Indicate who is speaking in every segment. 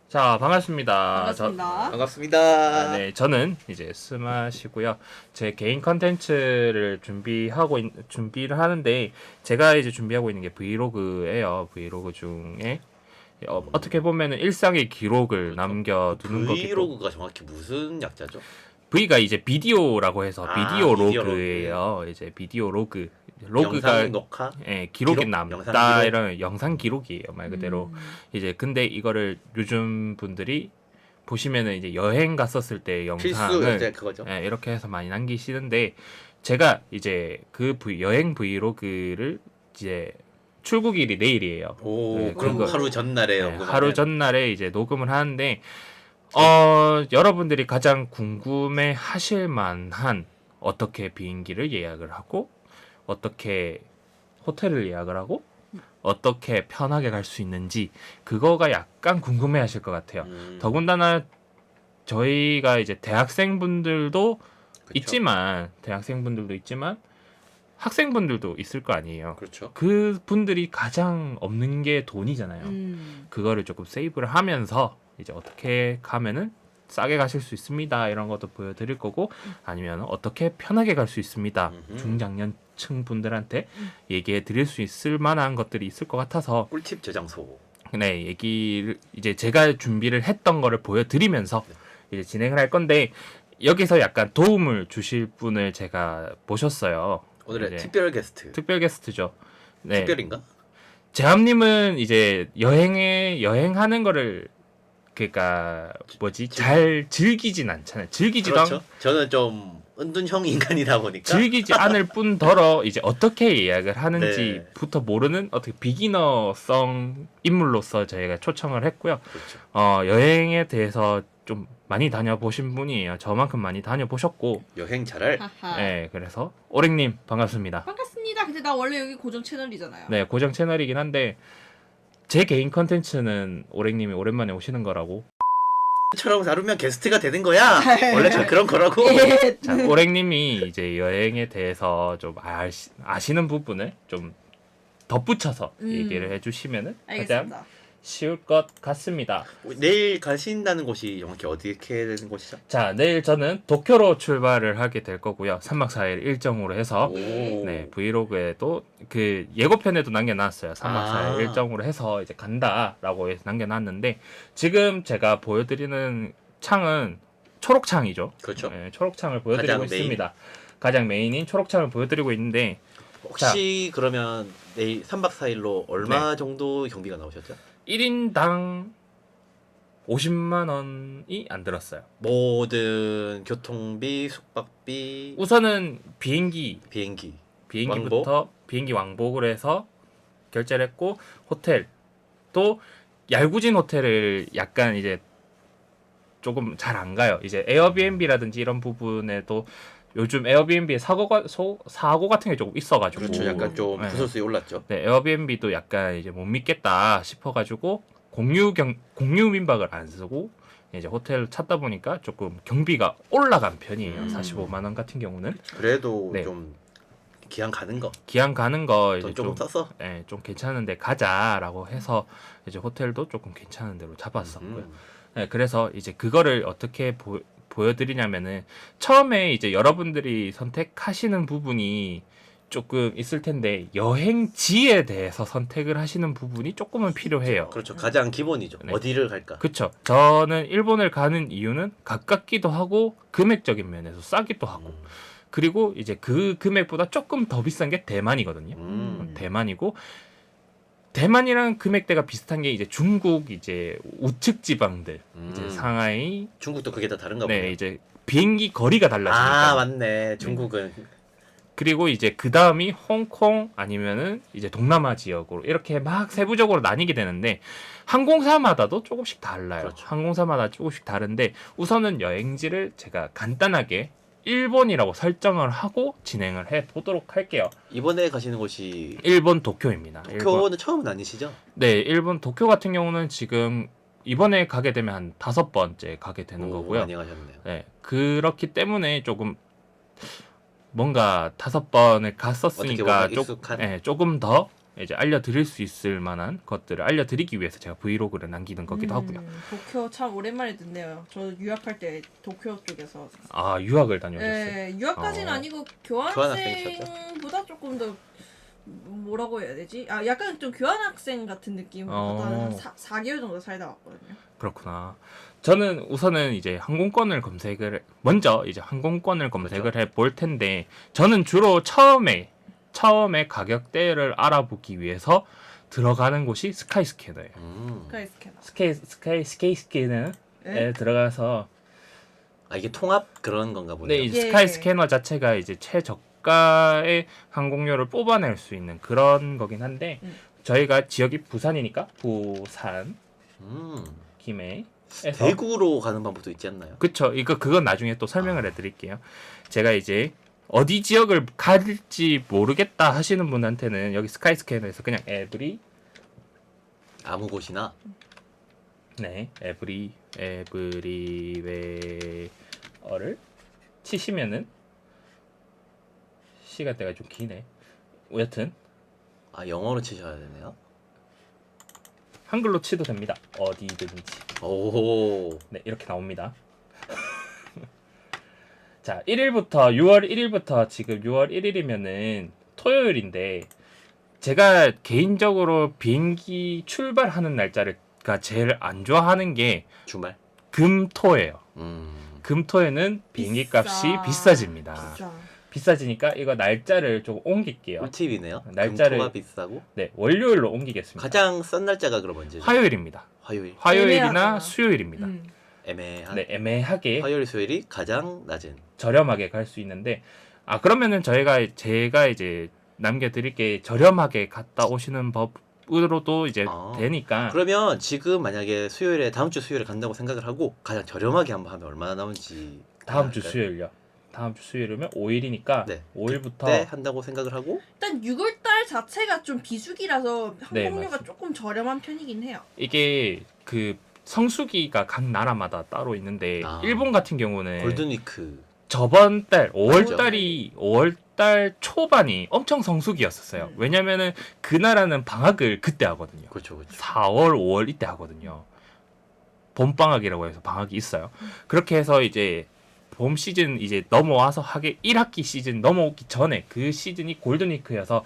Speaker 1: 자, 반갑습니다.
Speaker 2: 반갑습니다.
Speaker 3: 반갑습니다.
Speaker 1: 네, 저는 이제 스마시고요. 제 개인 컨텐츠를 준비를 하는데 제가 이제 준비하고 있는 게 브이로그예요. 브이로그 중에 어떻게 보면은 일상의 기록을 남겨두는 거기도.
Speaker 3: 브이로그가 정확히 무슨 약자죠?
Speaker 1: V가 이제 비디오라고 해서 비디오
Speaker 3: 비디오
Speaker 1: 로그예요. 이제 비디오 로그. 로그가
Speaker 3: 영상 녹화?
Speaker 1: 기록이
Speaker 3: 기록?
Speaker 1: 남다
Speaker 3: 영상 기록?
Speaker 1: 이런 영상 기록이에요, 말 그대로. 이제 근데 이거를 요즘 분들이 보시면은 이제 여행 갔었을 때
Speaker 3: 필수
Speaker 1: 영상을
Speaker 3: 이제 그거죠.
Speaker 1: 이렇게 해서 많이 남기시는데 제가 이제 그 여행 브이로그를 이제 출국일이 내일이에요.
Speaker 3: 오,
Speaker 1: 네,
Speaker 3: 그럼
Speaker 1: 그거-
Speaker 3: 하루 전날에
Speaker 1: 네,
Speaker 3: 녹음하면?
Speaker 1: 하루 전날에 이제 녹음을 하는데 여러분들이 가장 궁금해 하실 만한 어떻게 비행기를 예약을 하고 어떻게 호텔을 예약을 하고 어떻게 편하게 갈 수 있는지 그거가 약간 궁금해 하실 것 같아요. 더군다나 저희가 이제 대학생분들도 있지만 학생분들도 있을 거 아니에요.
Speaker 3: 그렇죠.
Speaker 1: 그 분들이 가장 없는 게 돈이잖아요. 그거를 조금 세이브를 하면서 이제 어떻게 가면은 싸게 가실 수 있습니다. 이런 것도 보여드릴 거고 아니면 어떻게 편하게 갈 수 있습니다. 중장년층 분들한테 얘기해 드릴 수 있을 만한 것들이 있을 것 같아서
Speaker 3: 꿀팁 저장소.
Speaker 1: 네, 얘기를 이제 제가 준비를 했던 거를 보여드리면서 이제 진행을 할 건데 여기서 약간 도움을 주실 분을 제가 모셨어요.
Speaker 3: 오늘의
Speaker 1: 이제
Speaker 3: 특별 게스트.
Speaker 1: 특별 게스트죠. 네.
Speaker 3: 특별인가?
Speaker 1: 재함님은 이제 여행하는 거를 그러니까 잘 즐기진 않잖아요.
Speaker 3: 그렇죠. 저는 좀 은둔형 인간이다 보니까
Speaker 1: 즐기지 않을 뿐더러 이제 어떻게 예약을 하는지부터 모르는 어떻게 비기너성 인물로서 저희가 초청을 했고요.
Speaker 3: 그렇죠.
Speaker 1: 여행에 대해서 좀 많이 다녀보신 분이에요. 저만큼 많이 다녀보셨고.
Speaker 3: 여행 잘할.
Speaker 2: 하하.
Speaker 1: 네, 그래서 오랭님 반갑습니다.
Speaker 2: 반갑습니다. 근데 나 원래 여기 고정 채널이잖아요.
Speaker 1: 네, 고정 채널이긴 한데 제 개인 컨텐츠는 오랭님이 오랜만에 오시는 거라고.
Speaker 3: 처럼 다루면 게스트가 되는 거야. 원래 저 그런 거라고.
Speaker 2: 예.
Speaker 1: 자, 오랭님이 이제 여행에 대해서 좀 아시는 부분을 좀 덧붙여서 얘기를 해주시면은 가장
Speaker 2: 알겠습니다.
Speaker 1: 쉬울 것 같습니다.
Speaker 3: 내일 가신다는 곳이 정확히 어디게 되는 곳이죠?
Speaker 1: 자, 내일 저는 도쿄로 출발을 하게 될 거고요. 3박 4일 일정으로 해서
Speaker 3: 오.
Speaker 1: 네, 브이로그에도 그 예고편에도 남겨놨어요. 3박 4일 일정으로 해서 이제 간다라고 해서 남겨놨는데 지금 제가 보여드리는 창은 초록창이죠.
Speaker 3: 그렇죠.
Speaker 1: 네, 초록창을 보여드리고
Speaker 3: 가장
Speaker 1: 있습니다. 가장 메인인 초록창을 보여드리고 있는데
Speaker 3: 혹시 그러면 내일 3박 4일로 얼마 정도 경비가 나오셨죠?
Speaker 1: 1인당 50만 원이 안 들었어요.
Speaker 3: 모든 교통비, 숙박비,
Speaker 1: 우선은 비행기부터 비행기 왕복을 해서 결제를 했고 호텔 또 얄궂은 호텔을 약간 이제 조금 잘 안 가요. 이제 에어비앤비라든지 이런 부분에도 요즘 에어비앤비에 사고 같은 게 조금 있어가지고
Speaker 3: 그렇죠. 약간 좀
Speaker 1: 네.
Speaker 3: 부설수에 올랐죠.
Speaker 1: 네, 에어비앤비도 약간 이제 못 믿겠다 싶어가지고 공유 민박을 안 쓰고 이제 호텔을 찾다 보니까 조금 경비가 올라간 편이에요. 45만 원 같은 경우는
Speaker 3: 그래도
Speaker 1: 네.
Speaker 3: 좀 기왕 가는 거.
Speaker 1: 기왕 가는 거 이제
Speaker 3: 돈 조금 썼어.
Speaker 1: 네, 좀 괜찮은데 가자라고 해서 이제 호텔도 조금 괜찮은 데로 잡았었고요. 네, 그래서 이제 그거를 어떻게 보여드리냐면은 처음에 이제 여러분들이 선택하시는 부분이 조금 있을 텐데 여행지에 대해서 선택을 하시는 부분이 조금은 필요해요.
Speaker 3: 그렇죠. 가장 기본이죠.
Speaker 1: 네.
Speaker 3: 어디를 갈까?
Speaker 1: 그쵸. 저는 일본을 가는 이유는 가깝기도 하고 금액적인 면에서 싸기도 하고 그리고 이제 그 금액보다 조금 더 비싼 게 대만이거든요. 대만이고 대만이랑 금액대가 비슷한 게 이제 중국 이제 우측 지방들 이제 상하이
Speaker 3: 중국도 그게 다 다른가
Speaker 1: 네
Speaker 3: 보네요.
Speaker 1: 이제 비행기 거리가 달라지니까
Speaker 3: 아 맞네. 중국은
Speaker 1: 그리고 이제 그 다음이 홍콩 아니면은 이제 동남아 지역으로 이렇게 막 세부적으로 나뉘게 되는데 항공사마다도 조금씩 달라요.
Speaker 3: 그렇죠.
Speaker 1: 항공사마다 조금씩 다른데 우선은 여행지를 제가 간단하게 일본이라고 설정을 하고 진행을 해 보도록 할게요.
Speaker 3: 이번에 가시는 곳이
Speaker 1: 일본 도쿄입니다.
Speaker 3: 도쿄는 처음은 아니시죠?
Speaker 1: 네, 일본 도쿄 같은 경우는 지금 이번에 가게 되면 한 5번째 가게 되는 거고요.
Speaker 3: 많이 가셨네요.
Speaker 1: 네, 그렇기 때문에 조금 뭔가 5번을 갔었으니까
Speaker 3: 어떻게 보면 익숙한?
Speaker 1: 조금 더 이제 알려드릴 수 있을 만한 것들을 알려드리기 위해서 제가 브이로그를 남기는 거기도 하고요.
Speaker 2: 도쿄 참 오랜만에 듣네요. 저 유학할 때 도쿄 쪽에서.
Speaker 1: 아 유학을 다녀오셨어요?
Speaker 2: 네, 유학까지는 아니고
Speaker 3: 교환학생이셨죠?
Speaker 2: 교환학생보다 조금 더 뭐라고 해야 되지? 아 약간 좀 교환학생 같은 느낌으로 한 4개월 정도 살다 왔거든요.
Speaker 1: 그렇구나. 저는 우선은 이제 항공권을 먼저 이제 항공권을 검색을
Speaker 3: 그렇죠.
Speaker 1: 해볼 텐데 저는 주로 처음에 가격대를 알아보기 위해서 들어가는 곳이 스카이스캐너예요.
Speaker 2: 스카이스캐너.
Speaker 1: 스카이스캐너에
Speaker 2: 네?
Speaker 1: 들어가서
Speaker 3: 아 이게 통합 그런 건가
Speaker 1: 네,
Speaker 3: 보네요.
Speaker 1: 이
Speaker 2: 예.
Speaker 1: 스카이스캐너 자체가 이제 최저가의 항공료를 뽑아낼 수 있는 그런 거긴 한데 저희가 지역이 부산이니까 부산 김해에서
Speaker 3: 대구로 가는 방법도 있지 않나요?
Speaker 1: 그쵸. 그건 나중에 또 설명을 해드릴게요. 제가 이제 어디 지역을 갈지 모르겠다 하시는 분한테는 여기 스카이스캐너에서 그냥
Speaker 3: 아무 곳이나
Speaker 1: 에브리웨어를 치시면은 시간대가 좀 기네. 여튼
Speaker 3: 아 영어로 치셔야 되네요.
Speaker 1: 한글로 치도 됩니다. 어디든지.
Speaker 3: 오.
Speaker 1: 네, 이렇게 나옵니다. 자, 6월 1일부터 지금 6월 1일이면은 토요일인데 제가 개인적으로 비행기 출발하는 날짜가 제일 안 좋아하는 게
Speaker 3: 주말.
Speaker 1: 금토예요. 금토에는 비행기
Speaker 2: 비싸.
Speaker 1: 값이 비싸집니다.
Speaker 2: 비싸.
Speaker 1: 비싸지니까 이거 날짜를 좀 옮길게요.
Speaker 3: 꿀팁이네요.
Speaker 1: 날짜를-
Speaker 3: 금토가 비싸고
Speaker 1: 네, 월요일로 옮기겠습니다.
Speaker 3: 가장 싼 날짜가 그럼 언제죠?
Speaker 1: 화요일입니다.
Speaker 3: 화요일.
Speaker 1: 화요일이나
Speaker 2: 애매하구나.
Speaker 1: 수요일입니다.
Speaker 3: 애매한.
Speaker 1: 네, 애매하게
Speaker 3: 화요일 수요일이 가장 낮은.
Speaker 1: 저렴하게 갈 수 있는데 그러면은 제가 이제 남겨드릴 게 저렴하게 갔다 오시는 법으로도 이제 되니까
Speaker 3: 그러면 지금 만약에 다음 주 수요일에 간다고 생각을 하고 가장 저렴하게 한번 하면 얼마나 나오는지
Speaker 1: 다음 주
Speaker 3: 알까요?
Speaker 1: 수요일요. 다음 주 수요일이면 5일이니까
Speaker 3: 네.
Speaker 1: 5일부터
Speaker 3: 때 한다고 생각을 하고
Speaker 2: 일단 6월달 자체가 좀 비수기라서
Speaker 1: 네,
Speaker 2: 항공료가
Speaker 1: 맞습니다.
Speaker 2: 조금 저렴한 편이긴 해요.
Speaker 1: 이게 그 성수기가 각 나라마다 따로 있는데 일본 같은 경우는
Speaker 3: 골든위크
Speaker 1: 저번 달
Speaker 3: 맞죠.
Speaker 1: 5월달 초반이 엄청 성수기였었어요. 왜냐면은 그 나라는 방학을 그때 하거든요.
Speaker 3: 그렇죠.
Speaker 1: 4월, 5월 이때 하거든요. 봄방학이라고 해서 방학이 있어요. 그렇게 해서 이제 봄 시즌 이제 넘어와서 1학기 시즌 넘어오기 전에 그 시즌이 골든위크여서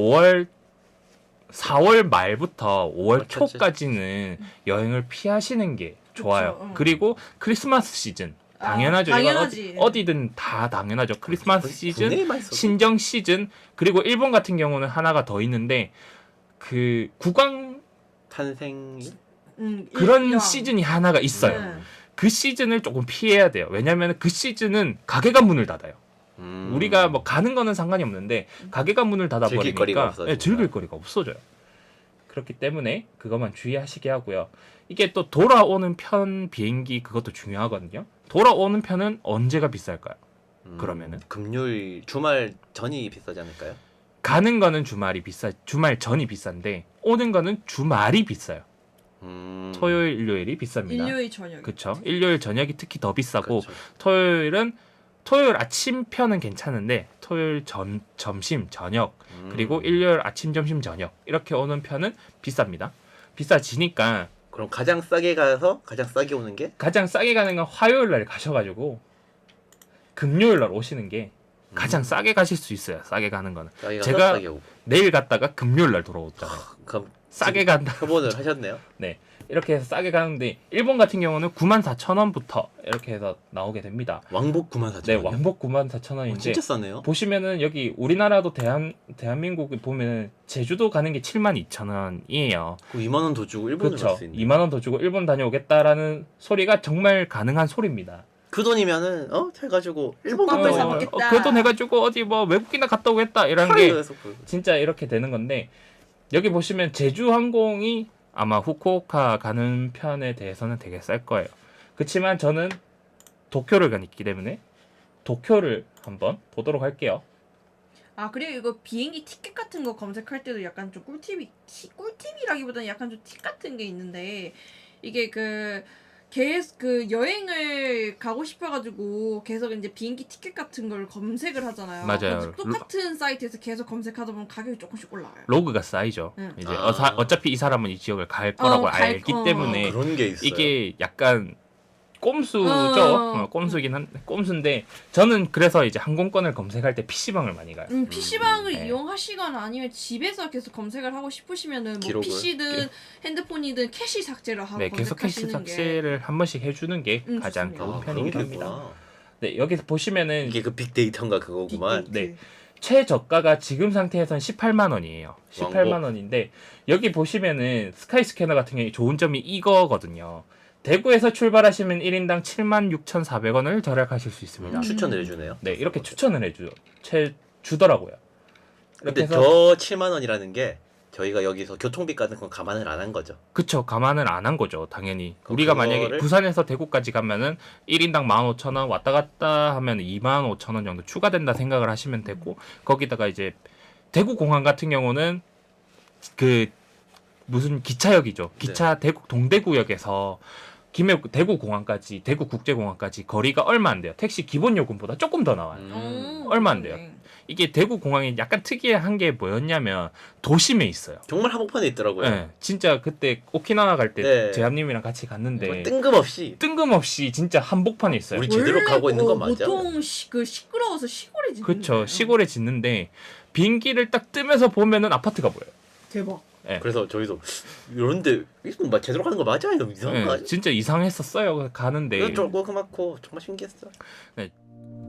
Speaker 1: 4월 말부터 5월
Speaker 3: 그렇겠지.
Speaker 1: 초까지는 여행을 피하시는 게 좋아요.
Speaker 2: 그쵸,
Speaker 1: 그리고 크리스마스 시즌 당연하죠. 이건
Speaker 2: 당연하지.
Speaker 1: 어디든 다 당연하죠. 크리스마스 시즌,
Speaker 3: 국내에만 있어도.
Speaker 1: 신정 시즌, 그리고 일본 같은 경우는 하나가 더 있는데 그 국왕
Speaker 3: 탄생일
Speaker 1: 그런
Speaker 2: 일명.
Speaker 1: 시즌이 하나가 있어요.
Speaker 2: 네.
Speaker 1: 그 시즌을 조금 피해야 돼요. 왜냐하면 그 시즌은 가게가 문을 닫아요. 우리가 뭐 가는 거는 상관이 없는데 가게가 문을
Speaker 3: 즐길 거리가
Speaker 1: 닫아버리니까
Speaker 3: 없어지니까.
Speaker 1: 즐길 거리가 없어져요. 그렇기 때문에 그것만 주의하시게 하고요. 이게 또 돌아오는 편 비행기 그것도 중요하거든요. 돌아오는 편은 언제가 비쌀까요? 그러면은
Speaker 3: 금요일 주말 전이 비싸지 않을까요?
Speaker 1: 가는 거는 주말 전이 비싼데 오는 거는 주말이 비싸요. 토요일, 일요일이 비쌉니다.
Speaker 2: 일요일 저녁.
Speaker 1: 그렇죠. 일요일 저녁이 특히 더 비싸고
Speaker 3: 그렇죠.
Speaker 1: 토요일 아침 편은 괜찮은데 토요일 점심 저녁 그리고 일요일 아침 점심 저녁 이렇게 오는 편은 비쌉니다. 비싸지니까
Speaker 3: 그럼 가장 싸게 가서 가장 싸게 오는 게
Speaker 1: 가장 싸게 가는 건 화요일 날 가셔가지고 금요일 날 오시는 게 가장 싸게 가실 수 있어요. 싸게 가는 거는
Speaker 3: 싸게 가서
Speaker 1: 제가
Speaker 3: 싸게 오고.
Speaker 1: 내일 갔다가 금요일 날 돌아오잖아요.
Speaker 3: 그럼
Speaker 1: 싸게 간다.
Speaker 3: 협업을 하셨네요.
Speaker 1: 네. 이렇게 해서 싸게 가는데 일본 같은 경우는 94,000원부터 이렇게 해서 나오게 됩니다.
Speaker 3: 왕복 94,000원.
Speaker 1: 네, 왕복 94,000원인데
Speaker 3: 진짜 싸네요.
Speaker 1: 보시면은 여기 우리나라도 대한민국 보면은 제주도 가는 게 72,000원이에요.
Speaker 3: 그 2만 원 더 주고 일본을
Speaker 1: 그렇죠.
Speaker 3: 갈 수 있네.
Speaker 1: 2만 원 더 주고 일본 다녀오겠다라는 소리가 정말 가능한 소리입니다.
Speaker 3: 그 돈이면은 해가지고 일본
Speaker 2: 숙박을
Speaker 3: 갔다
Speaker 2: 사
Speaker 3: 오고.
Speaker 2: 먹겠다.
Speaker 1: 그 돈 해가지고 어디 뭐 외국이나 갔다 오겠다 이런 게 진짜 이렇게 되는 건데 여기 보시면 제주항공이 아마 후쿠오카 가는 편에 대해서는 되게 쌀 거예요. 그렇지만 저는 도쿄를 가기 때문에 도쿄를 한번 보도록 할게요.
Speaker 2: 그리고 이거 비행기 티켓 같은 거 검색할 때도 약간 좀 꿀팁이라기보다는 약간 좀 팁 같은 게 있는데 이게 그 계속 그 여행을 가고 싶어가지고 계속 이제 비행기 티켓 같은 걸 검색을 하잖아요.
Speaker 1: 맞아요.
Speaker 2: 그래서 똑같은 사이트에서 계속 검색하다 보면 가격이 조금씩 올라와요.
Speaker 1: 로그가 쌓이죠.
Speaker 2: 응.
Speaker 1: 이제
Speaker 3: 아.
Speaker 1: 어차피 이 사람은 이 지역을 갈 거라고 알기 때문에
Speaker 3: 그런 게 있어요.
Speaker 1: 이게 약간 꼼수죠. 꼼수긴 한데 꼼수인데 저는 그래서 이제 항공권을 검색할 때 PC방을 많이 가요.
Speaker 2: PC방을
Speaker 1: 네.
Speaker 2: 이용하시거나 아니면 집에서 계속 검색을 하고 싶으시면은 뭐
Speaker 3: 기록을?
Speaker 2: PC든 핸드폰이든 캐시 삭제를 하고
Speaker 1: 네, 계속 캐시
Speaker 2: 검색하시는 게
Speaker 1: 삭제를 한 번씩 해주는 게 가장
Speaker 2: 좋습니다.
Speaker 1: 좋은
Speaker 3: 아,
Speaker 1: 편이긴
Speaker 3: 그런
Speaker 1: 합니다.
Speaker 3: 게구나.
Speaker 1: 네, 여기서 보시면은
Speaker 3: 이게 그 빅데이터인가 그거구만.
Speaker 1: 네. 최저가가 지금 상태에서는 18만 원이에요. 18만 원인데 여기 보시면은 스카이스캐너 같은 경우에 좋은 점이 이거거든요. 대구에서 출발하시면 1인당 76,400원을 절약하실 수 있습니다.
Speaker 3: 추천을 해주네요.
Speaker 1: 네, 이렇게 추천을 주더라고요.
Speaker 3: 근데
Speaker 1: 이렇게 해서
Speaker 3: 저 7만 원이라는 게 저희가 여기서 교통비 같은 건 감안을 안 한 거죠.
Speaker 1: 그쵸, 감안을 안 한 거죠, 당연히.
Speaker 3: 그럼
Speaker 1: 우리가
Speaker 3: 그거를-
Speaker 1: 만약에 부산에서 대구까지 가면은 1인당 15,000원, 왔다 갔다 하면 25,000원 정도 추가된다 생각을 하시면 되고, 거기다가 이제 대구 공항 같은 경우는 그 무슨 기차역이죠. 기차 대구 동대구역에서 대구 공항까지, 대구 국제공항까지 거리가 얼마 안 돼요. 택시 기본 요금보다 조금 더 나와요. 얼마 안 돼요. 이게 대구 공항이 약간 특이한 게 뭐였냐면 도심에 있어요.
Speaker 3: 정말 한복판에 있더라고요.
Speaker 1: 네, 진짜 그때 오키나와 갈 때
Speaker 3: 네.
Speaker 1: 제암님이랑 같이 갔는데
Speaker 3: 정말 뜬금없이
Speaker 1: 뜬금없이 진짜 한복판에 있어요.
Speaker 3: 우리 제대로 가고 있는 건 맞아.
Speaker 2: 보통 그 시끄러워서 시골에 짓는
Speaker 1: 그쵸,
Speaker 2: 거예요.
Speaker 1: 시골에 짓는데 비행기를 딱 뜨면서 보면은 아파트가 보여요.
Speaker 2: 대박.
Speaker 3: 그래서 저희도 이런데 이거 막 제대로 가는 거 맞아요? 이상한 거
Speaker 1: 네,
Speaker 3: 아니야?
Speaker 1: 진짜 이상했었어요. 가는데
Speaker 3: 조그맣고 정말 신기했어.